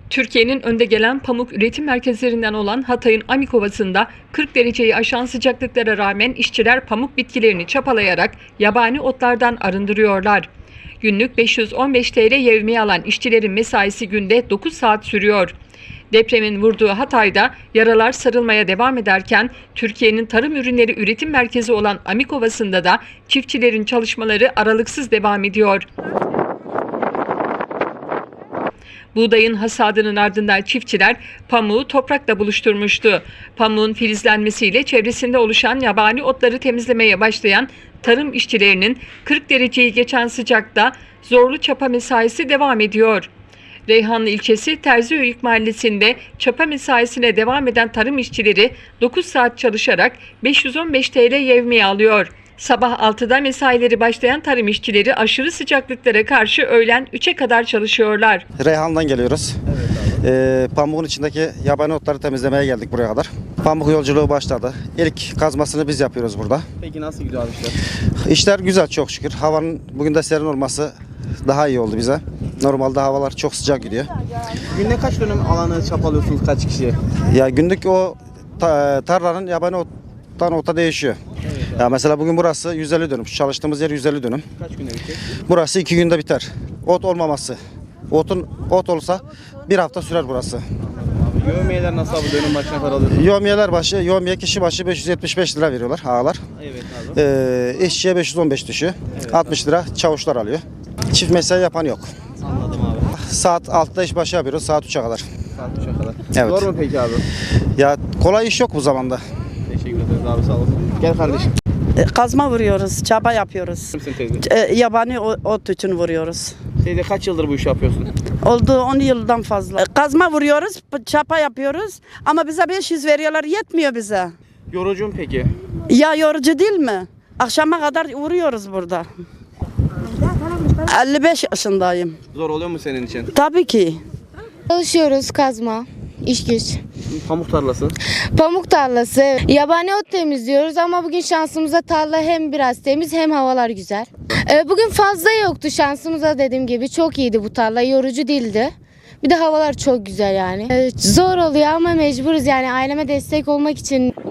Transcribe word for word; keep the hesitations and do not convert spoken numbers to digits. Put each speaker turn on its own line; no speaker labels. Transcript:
Türkiye'nin önde gelen pamuk üretim merkezlerinden olan Hatay'ın Amik Ovası'nda kırk dereceyi aşan sıcaklıklara rağmen işçiler pamuk bitkilerini çapalayarak yabani otlardan arındırıyorlar. Günlük beş yüz on beş TL yevmiye alan işçilerin mesaisi günde dokuz saat sürüyor. Depremin vurduğu Hatay'da yaralar sarılmaya devam ederken Türkiye'nin tarım ürünleri üretim merkezi olan Amik Ovası'nda da çiftçilerin çalışmaları aralıksız devam ediyor. Buğdayın hasadının ardından çiftçiler pamuğu toprakla buluşturmuştu. Pamuğun filizlenmesiyle çevresinde oluşan yabani otları temizlemeye başlayan tarım işçilerinin kırk dereceyi geçen sıcakta zorlu çapa mesaisi devam ediyor. Reyhanlı ilçesi Terziöyük mahallesinde çapa mesaisine devam eden tarım işçileri dokuz saat çalışarak beş yüz on beş TL yevmiye alıyor. Sabah altıda mesaileri başlayan tarım işçileri aşırı sıcaklıklara karşı öğlen üçe kadar çalışıyorlar.
Reyhan'dan geliyoruz. Evet abi. Ee, pamuğun içindeki yabani otları temizlemeye geldik buraya kadar. Pamuk yolculuğu başladı. İlk kazmasını biz yapıyoruz burada.
Peki nasıl gidiyor abi işler?
İşler güzel çok şükür. Havanın bugün de serin olması daha iyi oldu bize. Normalde havalar çok sıcak gidiyor.
Günde kaç dönüm alanı çapalıyorsunuz, kaç kişi?
Ya günlük o ta, tarlanın yabani ottan ota değişiyor. Evet, ya mesela bugün burası yüz elli dönüm. Çalıştığımız yer yüz elli dönüm.
Kaç günde bitecek?
Burası iki günde biter. Ot olmaması. Otun ot olsa bir hafta sürer burası.
Yevmiyeler nasıl abi, dönüm başına kadar alıyorsunuz?
Yevmiyeler başı, yevmiye kişi başı beş yüz yetmiş beş lira veriyorlar ağalar.
Evet abi.
Ee, işçiye beş yüz on beş düşüyor. Evet, altmış lira çavuşlar alıyor. Çift mesai yapan yok.
Anladım abi.
Saat altıda iş başı yapıyoruz, saat üçe kadar.
Saat üçe kadar.
Evet.
Zor mu peki abi?
Ya kolay iş yok bu zamanda.
Teşekkür ederiz abi, sağ olasın. Gel kardeşim.
Kazma vuruyoruz, çaba yapıyoruz.
Kimsin teyze?
E, yabani ot için vuruyoruz.
Teyze kaç yıldır bu işi yapıyorsun?
Oldu on yıldan fazla. Kazma vuruyoruz, çapa yapıyoruz ama bize beş yüz veriyorlar, yetmiyor bize.
Yorucu mu peki?
Ya yorucu değil mi? Akşama kadar vuruyoruz burada. elli beş yaşındayım.
Zor oluyor mu senin için?
Tabii ki.
Çalışıyoruz, kazma, iş güç.
Pamuk tarlası.
Pamuk tarlası, yabani ot temizliyoruz ama bugün şansımıza tarla hem biraz temiz hem havalar güzel. Ee, bugün fazla yoktu şansımıza, dediğim gibi çok iyiydi bu tarla, yorucu değildi. Bir de havalar çok güzel yani. Ee, zor oluyor ama mecburuz yani, aileme destek olmak için